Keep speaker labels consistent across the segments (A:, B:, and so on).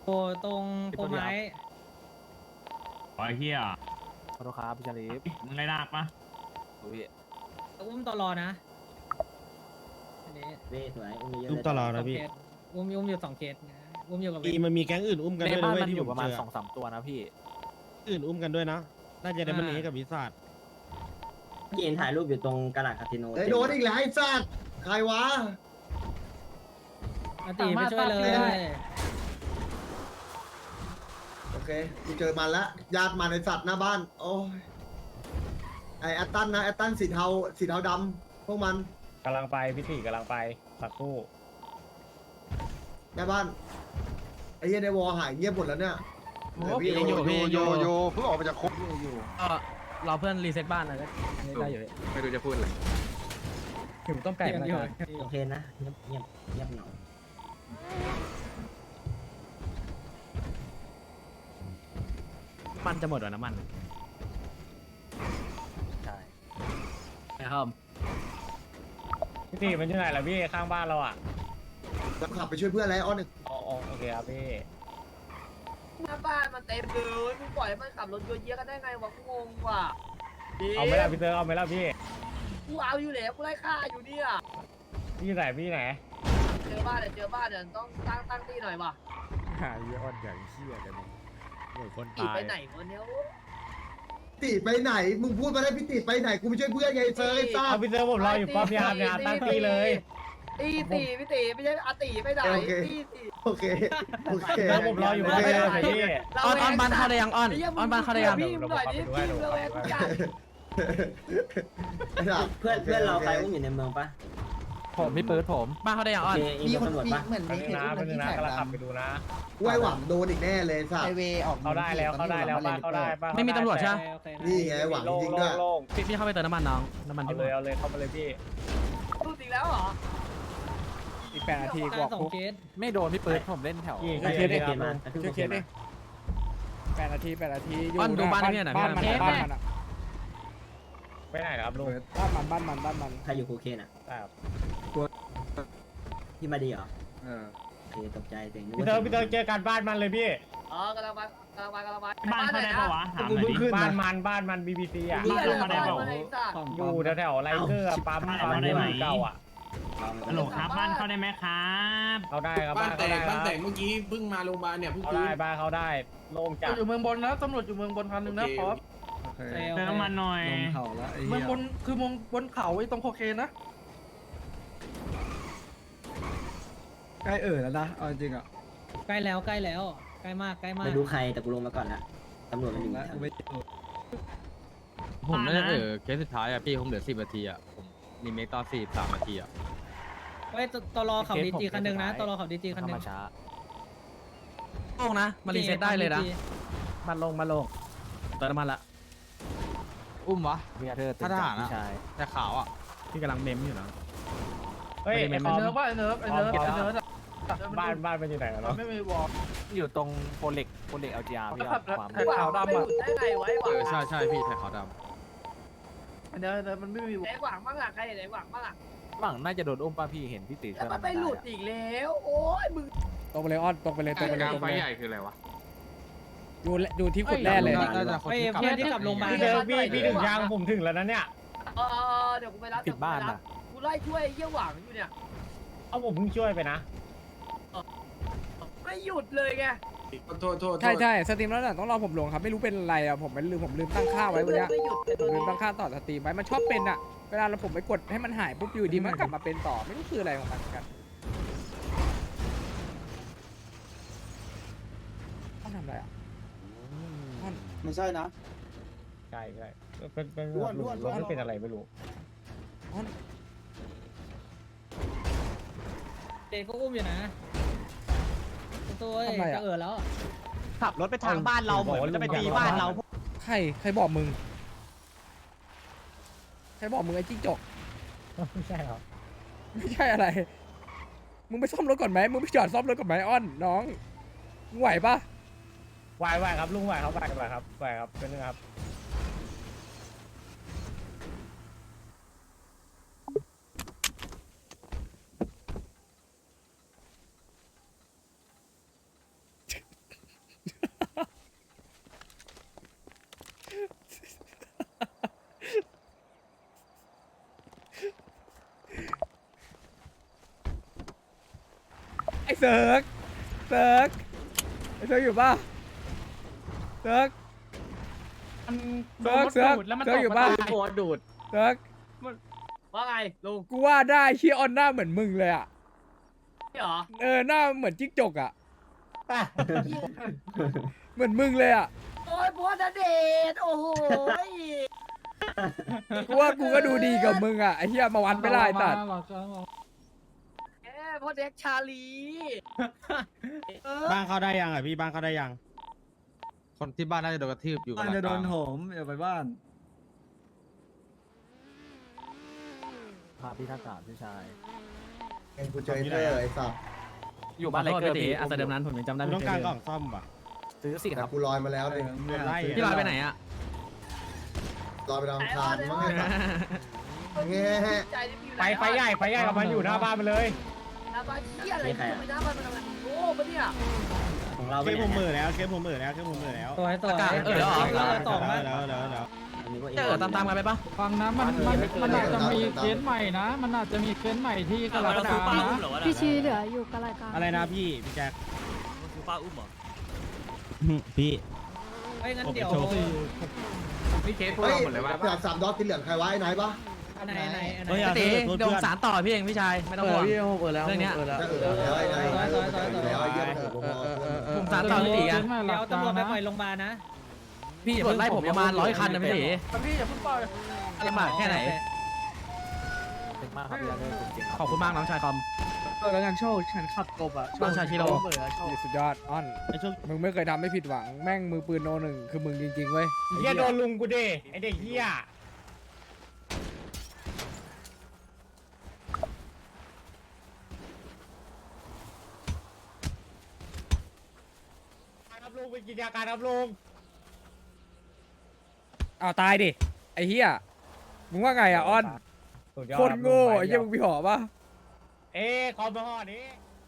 A: ตรงโพไม้
B: ไอ้เหี้ย
C: ขอโทษครับพี่ชาลีฟ
B: มึงไรลากปะ
C: พี่
A: อุ้มตลอนะอันนี้
D: เว้ยสวยอุ้มเยอะ
E: อุ้ม
D: เลย
E: ตลอด
A: สอ
E: นะ
A: ง
E: พี่
A: เคสอุ้มอยู่2 เคสนะอุ้มอยู่กับ
E: มีมันมีแก๊งอื่นอุ้มกัน
C: ใน
E: ด้วย
C: บ้า
E: นะ
C: น
E: เว้ย
C: มัน
E: ที่
C: อยู่
E: ผ
C: ประมาณ
E: เจอ
C: 2-3 ตัวนะพี่
E: อื่นอุ้มกันด้วยนะน่าจะได้มันเอกับวิสาด
D: กินถ่ายรูปอยู่ตรงกระดาษคาสิโน
F: ไอ้โดนอีกแล้วไอ้สัตว์ใครวะ
A: อาตีไปช่วยเลย
F: โอเคกูเจอมันแล้วญาติมันในสัตว์หน้าบ้านโอ้ยไอ้แอตตันนะแอตตันสีเทาดำพวกมัน
G: กำลังไปพี่ตีกำลังไปสักครู่
F: หน้าบ้านไอ้เหี้ยในวอลหายเงียบหมดแล้วเนี่ยเหลือพี่
H: ยังอยู่
F: โ
H: พี่อยู่เพิ่งออกมาจากคุก
C: รอเพื่อนรีเซ็ตบ้านนะได้อยู่
H: ไม่รู้จะพูดอะไร
C: ถึงต้มไก่มาแล้ว
D: โอเคนะเงียบเงียบเงียบหน่อย
C: มันจะหมดแล้วน้ำมันใช่ครับ
G: พี่ตีมันอยู่ไหนล่ะพี่ข้างบ้านเราอ่ะ
F: แล้วขับไปช่วยเพื่อนแล้วอ้อนหนึ่ง
G: อ๋อโอเคครับพี่
I: หน้าบ้านมันเต็มเลยมึงปล่อยให้มันขับรถโยนเยอะกันได้ไงวะกูงงว่ะ
G: เอาไหมล่ะพี่เตอร์เอาไหมล่ะพี่
I: กูเอาอยู่แล้วกูไล่ฆ่าอยู่เนี่ย
G: พี่ไหนพี่ไหน
I: เจอบ้านเนี่ยต้องตั้งที่หน่อยว่ะ
C: หายอดอย่างเชี่ยกันเหมือนคน
I: ตี
C: ตาย
I: ไปไหนวะเนี่ย
F: ติไปไหนมึงพูดมาได้พี่ติไปไหนกูไปช่วยเพื่อนไงไอ้เซอร์ไอ้ซ่า
G: เอาพี่เตอร์ผมรออยู่ป้อมยามเนี่ยตั้งตีเลย
I: ตีพี่ตีไม่ใช่อาตีไปไหนตีตี
F: โอเคโอเค
G: พี่เตอร์ผมรออยู่ป้อมยามเลยพี่
C: อ้อนบ้านเข้าได้ยังอ้อนบ้านเข้าได้ยัง
I: พี่มึงหน่อยดิพี่เราเองกูจัด
D: เพื่อนเราใครอุ้มอยู่ในเมืองปะ
C: ผมพี่เปิดผมบ้านเข้าได้ยัง
D: โอ
C: อ้อน
D: เคมีตำรวจปะ
G: ไปนึงนะไปนึงนะกำลังขับไปดูนะ
F: ไว้หวังโดนอีกแน่เลยสัตว์
G: เขาได้แล้วบ้านเขาได้บ้าน
C: ไม่มีตำรวจใช่ไหม
F: นี่ไงหวังจริงด้วย
G: โล่ง
C: พี่เข้าไปเติมน้ำมันน้องน้ำมัน
G: เอา
C: ที่
G: เลยเอาเลยเข้ามาเลยพี่
I: พูดอีกแล้วเหรอ
C: อีก8 นาที
A: การสองเคส
C: ไม่โดนพี่เปิดผมเล่นแถว
G: กี่
D: โอเค
G: เคส
D: โอเค
G: ค
D: มา
G: รับ
D: กระทืบโอเคมา
C: 8 นาทีอ้อนดูบ้านให้พี่หน่อยพี่
G: ไปไหนครับลุง
C: บ้านมัน
D: ใครอยู่โคเคนอ่ะ
G: ครับ
D: พี่มาดีเหรอโอเคตกใจเสียงนึก
G: พี่
D: ว่า
G: เตอร์เจอกันบ้านมันเลยพี่
I: กำลังไป
B: บ้านเขาได้ปะวะถามหน่อยดิ
G: บ้านมัน BBC อ่ะ
I: พี่อะไร
B: เขาได้
I: บ้าน
B: เปล่า
I: มันไอ้สัตว์
G: อยู่แถวๆไรเกอร์ปั๊มเก่าอ่ะ
B: ฮัลโหลครับบ้านเขาได้ไหมครับ
G: เขาได้ครับ
H: บ้านแตก
G: บ้าน
H: เมื่อกี้เพิ่งมาโรงพยาบาลเนี่ยเพิ่ง
G: เขาได้บ้านเขาได้โล่งจัด
C: อยู่เมืองบนนะตำรวจอยู่เมืองบน1,000นะพอ
B: เติมน้ำมันหน่อย
C: เมืองบนคือเมืองบนเขาไอ้ตรงโคเคนนะ
E: ใกล้แล้วนะเอาจริงอ่ะ
A: ใกล้แล้วใกล้มาก
D: ไม่รู้ใครแต่กูลงมาก่อนละตำรวจมันอยู่แถวนี้
B: ผมน่าจะ
C: เคสสุดท้ายอ่ะพี่ผมเหลือ10 นาทีอ่ะผมรีเมคตอน43 นาทีอ่ะ
A: เฮ้ยตลอขับดีจีคันหนึ่งนะตลอขับดีจีคันหนึ่ง
C: โล่งนะมารีเซ็ตได้เลยนะมันลงเติมน้ำมันละอุ้มวะถ้าทหารอะแต่ขาวอ่ะพี่กำลังเมมอยู่นะ
G: เฮ้ย
C: เนิร์ฟ
G: บ้านมันอยู่ไหนแล้ว
C: ไม่มีวอลอยู่ตรงโพเล็ก LGR พี่ความ
I: ขาวดำอ่ะได้ไงไว้หวัง
C: ใช่พี่ไทยขาวด
I: เดี๋ยวมันไม่มีไหนหวังบ้างอ่ะใครไหนหวังบ้างอ่ะ
C: ำบังน่าจะโดนอุ้มป่ะพี่เห็นพี่ตี
I: แล้วมันไปหลุดอีกแล้วโอ้ยมึง
C: ตรงไปเลยอ้อนตรงไปเลย
H: กลางไฟใหญ่คืออะไรวะ
C: ดูที่ขุดแร่เลย
A: เฮ้ยเพื่อนที่กลับโรงพยาบาล
G: พี่เจอพี่ถึงยังผมถึงแล้วนะเนี่ย
I: เดี๋ยวกูไปรับ
C: ผิดบ้านอ่ะ
I: กูไล่ช่วยเยี่ยหวังอยู่เนี่ย
G: เอาผมเพิ่งช่วยไปนะ
I: ไม่หยุดเลยไง
H: โทษ
C: ใช่สตรีมแล้วต้องรอผมลงครับไม่รู้เป็นอะไรอ่ะผมลืมตั้งค่าไว้วันนี้
I: ไม่หยุดเลย
C: ผมลืมตั้งค่าต่อสตรีมไว้มันชอบเป็นอ่ะเวลาเราผมไปกดให้มันหายปุ๊บอยู่ดีมันกลับมาเป็นต่อไม่รู้คืออะไรของมันกันต้องทำอะไรอ่ะ
E: ไม่ใช่นะ
G: ใช่เป็นรถไม่เป็นอะไรไม่รู้
A: เด็กก็อุ้มอยู่นะตัวจะแล้ว
E: ขับรถไปทางบ้านเราเหมือนจะไปตีบ้านเรา
C: ใครบอกมึงไอ้จิ้งจก
G: ไม่ใช่ครับ
C: ไม่ใช่อะไรมึงไปซ่อมรถก่อนไหมมึงไปจอดซ่อมรถก่อนไหมอ้อนน้องมึงไหวปะ
G: ไหวครับลุงไหวครับเป็นไงครับ
J: เซิร์กเซิร์กไอ้เซิร์กอยู่ป่ะเซิร์กเซิร์กเซิร์กเซิร์กอยู่ป่ะ
C: โคตรดูด
J: เซิร์ก
I: ว่าไงลุง
J: กูว่าได้เชี่ยออนหน้าเหมือนมึงเลยอ่ะ
I: นี่เหรอ
J: หน้าเหมือนจิ้งจกอ่ะเหมือนมึงเลยอ่ะ
I: โอ้ยบัวณเดชน์โอ้โห
J: กูว่ากูก็ดูดีกับมึงอ่ะไอ้เหี้ยมาวัดไม่ได้ตัด
I: แหมพ่อเด็กชาลี
E: บ้านเข้าได้ยังอ่ะพี่บ้านเข้าได้ยัง
C: คนที่บ้านน่าจะโดนกระทืบอยู่
G: บ้านจะโดนโหมอย่าไปบ้าน
C: พาพี่ท่ากาศพี่ชาย
F: เอ็นกูเจอไอ้เตอร์ไอ้สัตว์
C: อยู่บ้านอะไรเกิดพี่อาจจะเดิมนั้นผมยังจำได้
E: ต้องการกล่องซ่อมป่ะ
C: ซื้อสิค
F: แต่
C: รับ
F: กูลอยมาแล้วเลย
C: พี่ลอยไปไหนอ่ะ
F: ลอยไปดาวอังคารมั้งไอ้สัตว์แง่
I: ใจที่พี่
G: ไฟใหญ่กับมันอยู่หน้าบ้านมันเลย
I: หน้าบ้านเหี้ยอะไรทำไมหน้าบ้านมันทำไมโอ้ปะเนี่ย
D: ของเรา
E: เคสผมเหม่อแล้วเคสผมเหม่อแล้วเคสผมเหม่อแล้ว
A: ตัวให้ตัว
J: ต่อมา
E: แล้ว
C: เจอตามๆกันไปปะ
A: ฟังนะมันอาจจะมีเคสใหม่นะ มันอาจจะมีเคสใหม่ที่กำลังจะ
K: พี่ชีเหลืออยู่กับรายการ
E: อะไรนะพี่แจ็ค
A: คือป้าอุ้มเหรอ
E: พี่
A: เฮ้ยงั้นเดี๋ยว
H: นี่เคสพวกเราหมดเลยว่า
F: แต่สามดอกที่เหลืองใครวะไอ้ไหนปะ
A: ไหน
E: เฮ้ย
C: พี่ตีเดี๋ยวผมสารต่อพี่เองพี่ชายไม่ต้องห่วงเรื่องเนี้ย
F: จะแล้วไอ้ไหนแล้วไอ้เยี่ยมผมพอ
C: ผมสารต่อพี่ตีอ่ะ
A: เดี๋ยวตำรวจไปปล่อยโรงพยาบาลนะ
C: พี่ตำรวจไล่ผมประมาณ100 คันนะพี่ตี
A: พี่อย่าเพิ่งปล่อย
C: ลำบากแค่ไหนขอบคุณมากน้องชายคอม
G: แล้วงานโชว์ฉันขับกบอ่ะ
C: น้องชายชิโร่
J: สุดยอดอ้อนมึงไม่เคยทำให้ผิดหวังแม่งมือปืนโนหนึ่งคือมึงจริงๆเว้ย
G: เฮียโดนลุงกูดิไอเด็กเฮียครับลุงไปกินยาการครับลุง
J: อ้าวตายดิไอ้เหี้ยมึงว่าไงอ่ะอ้อนคนโง่ไอ้เหี้ยมึงมีหอปะ
G: คอมมาห่อนี้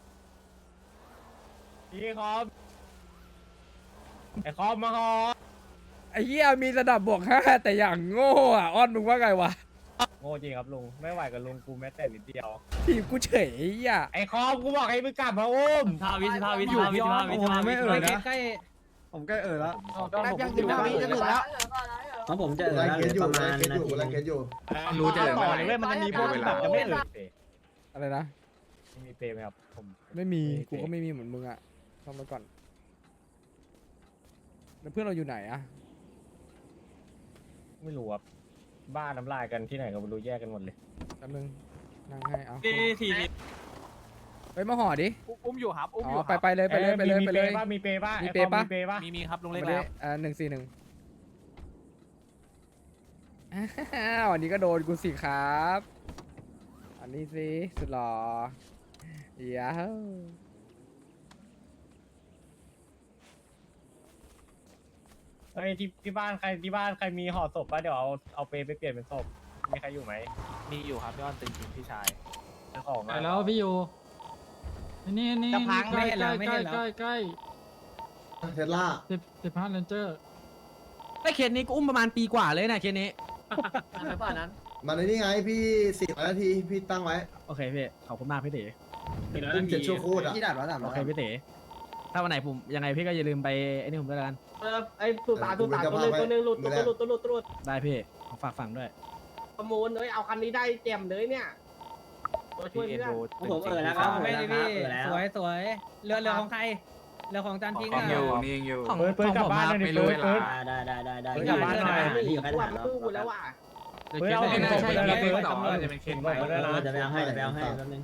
G: พี่คอมไอคอมมาห่อ
J: ไอ้เหี้ยมีระดับบวก5แต่อย่างโง่อ่ะอ้อนมึงว่าไงวะ
G: โง่จริงครับลุงไม่ไหวกับลุงกูแม้แต่นิดเดียว
J: ทีมกูเฉยไอ้เหี้ย
G: ไอคอมกูบอกให้มึงกลับมาอุ้ม
A: ใกล้
G: ผมใกล้แล้ว
I: ยังถึงแล้วจะถึงแล้ว
D: ของผมจะ
F: ไล่
D: แล้ว
F: เค
D: เหลื
F: ส
D: อ
F: อยู่
D: ประมาณ
F: ไล่เคส
D: นา
F: อยู่
D: ที
F: ไล่เคสอยู่
H: รู้จะเลย
G: ต่อ
H: ไม่
G: เลยเว้ยมันจะมีพวกที่แบบจะไม่เอ่ย
J: อะไรนะ
G: มีเปย์ไหมครับผม
J: ไม่มีกูก็ไม่มีเหมือนมึงอ่ะต้องมาก่อนแล้วเพื่อนเราอยู่ไหนอ่ะ
G: ไม่รู้ครับบ้านน้ำลายกันที่ไหนก็ไม่รู้แยกกันหมดเลย
J: แป๊บนึงนั่งให้เอา
B: ที
J: ไปมาห่อดิ
C: อุ้มอยู่ครับอุ้ม
J: อ๋
C: อยู่
J: อไปเลยไปเลยไปเลย
G: มี
J: ไป
G: เป
J: เลย
G: ย์ป่ะมีเปย์ป่ะ
J: มี
G: ไอ้
J: เปย์
G: คอ
J: ปะ
G: มีเปย์ป่ะ
C: มีครับลุงเล็ก
J: ไป
C: แล้
J: เลยว141วันนี้ก็โดนกูสิครับอันนี้สิสุดหล่อเย้า
G: เฮ้ยที่บ้านใครมีห่อศพป่ะเดี๋ยวเอาเปย์ไปเปลี่ยนเป็นศพมีใครอยู่ไหม
C: มีอยู่ครับพี่อ้อนตึงจริงพี่ชาย
G: เป็นของ
A: ไปแล้วพี่อยู่นี่จะพังไม่เห็นแล้วไม่เห็นแล้วใกล้
F: เทสลา
A: 15 Ranger
C: ไอ้เคสนี้กูอุ้มประมาณปีกว่าเลยนะเคสนี้
I: อะไรป่ะนั้น
F: มันในนี่ไงพี่400 นาทีพี่ตั้งไว้
C: โอเคพี่ขอบคุณมากพี่ตี
F: อุ้ม7 ชั่วโคตรอ่ะ
C: โอเคพี่ตีถ้าวันไหนผมยังไงพี่ก็อย่าลืมไปไอ้นี่ผมด้วยกัน
I: ไอ้สุตาตัวนึงหลุดตัว
C: ได้พี่ฝากฝังด้วย
I: ประมูลเลยเอาคันนี้ได้เต็มเลยเนี่ยตัวช่วยเพื่อน
D: ผมแล้วครับ
A: ไม่ได้พี่สวยเรือของใครเรือของจันพิงอ่ะ
H: อยู่นี่ยังอยู่
C: ของ
G: เปิดกลับบ้านเลย
C: ไม่
G: ดิ
C: รู้
G: เปิด
D: ได้
G: กลับบ้านหน่อย
D: ที่อยู่แค่ฐาน
I: ตู้กูแล้วว่ะ
G: เฮ้ยเอาเป็นศพไปเลยนะเปิด
H: ต่อจะเป็นเคนไป
D: จะไปเอาให้แป๊บนึง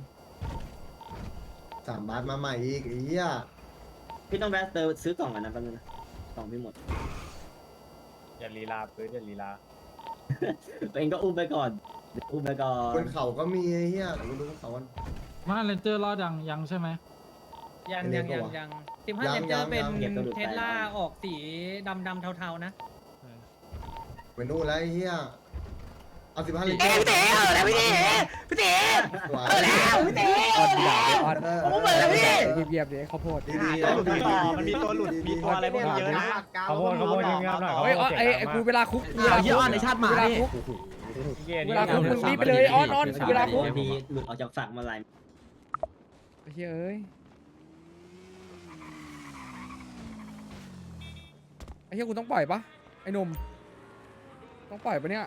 F: 3 บาทมาใหม่อีกไอ้เหี้ย
D: พี่ต้องแวะซื้อกล่องกันนะแป๊บนึงนะกล่องพี่หมด
G: อย่าลีลาเปิดอย่าลีลา
D: ตัวเองก็อุ้มไปก่อนอุ้มไปก่อบ น
F: นเขาก็มีไอ้เหี้ยเดี๋ยวกูดูบนเขากัน
A: มาเลนเจอร์รอดยังใช่ไหมยัง15 Ranger เป็นเทสลาออกสีดำเทาๆนะ
F: ไปนู่นแล้วไอ้เหี้ยเอา15 ลิตร
C: พี่ตีแล้วพี่ตีพี่ตีแล้วพี่ตี
J: อ้อนด่าเลยอ้อน
C: ผมเปิดแล้วพี่
J: เยียบๆดิข้าวโพด
F: ดี
G: มันมีตัวหลุดมีตัวอะไรพวกนี้เยอะนะขโมยเงียบๆหน่อย
J: เฮ้ยไอ้กูเวลาคุก
C: เอาเยอะอ้อนในชาติหมาดิ
J: เวลาคุกมึงรีบไปเลยอ้อนเวลาคุก
D: มีหลุดออกจากฝักมาหลาย
J: ไอ้เหี้ยเอ้ยเหี้ยกูต้องปล่อยปะไอ้หนุ่มต้องปล่อยปะเนี่ย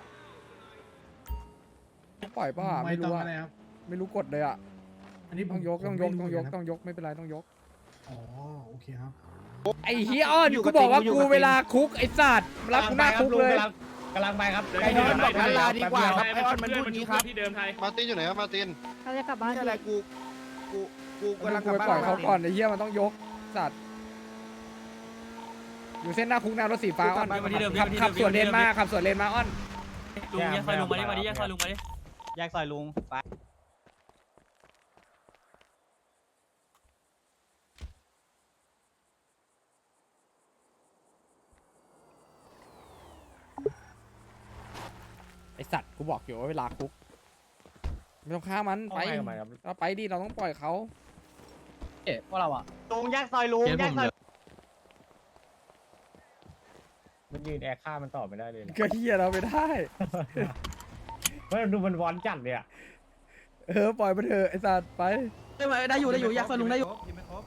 J: ต้องปล่อยปะไม่รู้อะไม่รู้กดเลยอะอันนี้ต้องยกไม่เป็นไรต้องยกอ๋อโอเคครับไอ้เฮียอ้อนกูบอกว่ากูเวลาคุกไอ้สัตว์รับกูหน้าคุกเลย
G: กำลังไปครับ
C: ไอ้นอนบอกนั้นลาดีกว่าครับไอ้ออนมันพูดงี้ครับ
H: ที่เดิมไทย
E: มาตินอยู่ไหนครับมาติน
K: เขาจะกลับบ้าน
C: อะไรกู
J: กูกำลังไปปล่อยเขาก่อนไอ้เหี้ยมันต้องยกสัตว์อยู่เส้นหน้าคุกหน้ารถสีฟ้าอ้อนขับสวนเลนมาขับสวนเลนมาอ้อน
B: ลุงแยกซอยลุงมาดิแยกซอยลุงมาดิ
E: แยกซอยลุงไป
J: ไอสัตว์กูบอกอยู่ว่าเวลาคุกไม่ต้องฆ่ามันไปเราไปดิเราต้องปล่อยเขา
C: พวกเราอ่ะ
E: ลุงแยกซอยลุงแยกซอย
G: มันยืนแอร์ฆ่ามันต่อไม่ได้เลย
J: ก็เฮียเราไม่ได้
G: เพราะดูมันวอนจัดเลยอ่ะ
J: ปล่อยมันเถอะไอสัตว์ไป
C: ได้อยู่อยากซอยลุงได้อยู่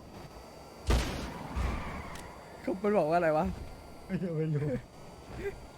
J: เขามันบอกว่าอะไรวะ
G: ไม่รู้